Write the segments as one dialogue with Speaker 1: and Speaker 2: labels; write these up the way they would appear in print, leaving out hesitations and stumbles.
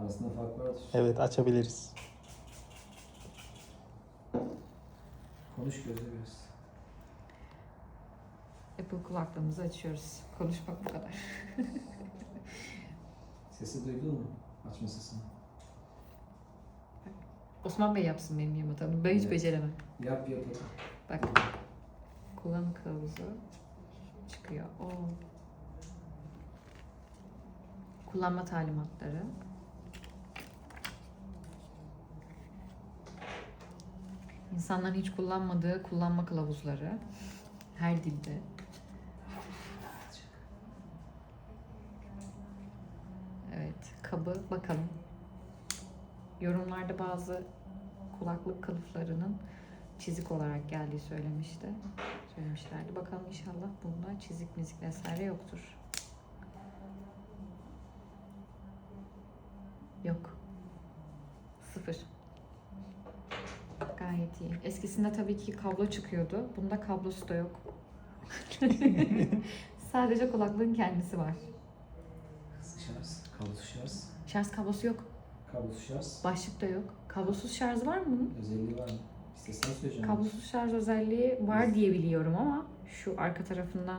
Speaker 1: Arasında fark vardır.
Speaker 2: Evet, açabiliriz.
Speaker 1: Konuş gözle biraz.
Speaker 3: Apple kulaklığımızı açıyoruz. Konuşmak bu kadar.
Speaker 1: Sesi duydun mu? Açma sesini.
Speaker 3: Osman Bey yapsın benim yamatamı. Ben hiç
Speaker 1: Evet.
Speaker 3: beceremem.
Speaker 1: Yap yap.
Speaker 3: Bak. Kullanım kılavuzu çıkıyor. Oo. Kullanma talimatları. İnsanların hiç kullanmadığı kullanma kılavuzları. Her dilde. Evet, kabı bakalım. Yorumlarda bazı kulaklık kılıflarının çizik olarak geldiği söylemişlerdi. Bakalım inşallah bunda çizik mizik vesaire yoktur. Yok. Sıfır. Gayet iyi. Eskisinde tabii ki kablo çıkıyordu. Bunda kablosu da yok. Sadece kulaklığın kendisi var.
Speaker 1: Şarj. Kablosuz şarj.
Speaker 3: Şarj kablosu yok.
Speaker 1: Kablosuz şarj.
Speaker 3: Başlık da yok. Kablosuz şarj var mı bunun?
Speaker 1: Özelliği var mı? İstesen söyleyeceğim.
Speaker 3: Kablosuz şarj özelliği var diye biliyorum ama şu arka tarafından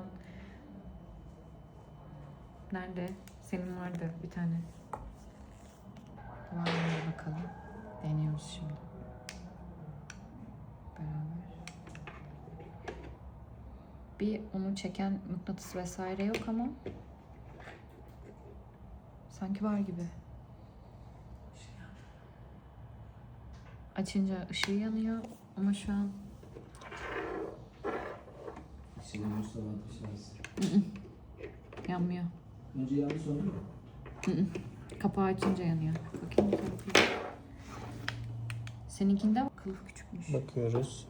Speaker 3: nerede? Senin vardı bir tane. Var mı bakalım. Deniyoruz şimdi. Beraber. Bir onu çeken mıknatıs vesaire yok ama sanki var gibi. Açınca ışığı yanıyor ama şu an
Speaker 1: Şimdi Mustafa şarj.
Speaker 3: yanmıyor.
Speaker 1: Önce yandı sonra mı?
Speaker 3: Kapağı açınca yanıyor. Bakayım bir tarafı. Seninkinde kılıf küçükmüş.
Speaker 2: Bakıyoruz.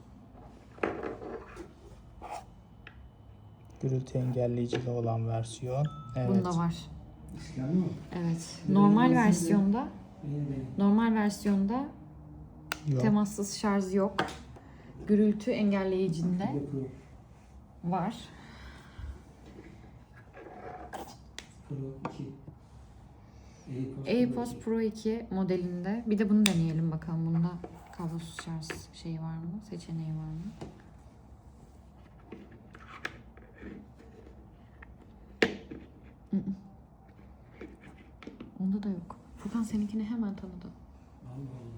Speaker 2: Gürültü engelleyicili olan versiyon. Evet.
Speaker 3: Bunda var.
Speaker 1: İskanlı mı?
Speaker 3: Evet.
Speaker 1: Benim
Speaker 3: Normal
Speaker 1: izinde-
Speaker 3: versiyonda
Speaker 1: Benim.
Speaker 3: normal versiyonda
Speaker 2: Yok.
Speaker 3: temassız şarj yok. Gürültü engelleyicinde
Speaker 1: Pro.
Speaker 3: var.
Speaker 1: Pro 2.
Speaker 3: AirPods Pro 2 modelinde. Bir de bunu deneyelim bakalım. Bunda kablosuz şarj şeyi var mı? Seçeneği var mı? Onda da yok. Furkan seninkini hemen tanıdı.
Speaker 1: Allah Allah.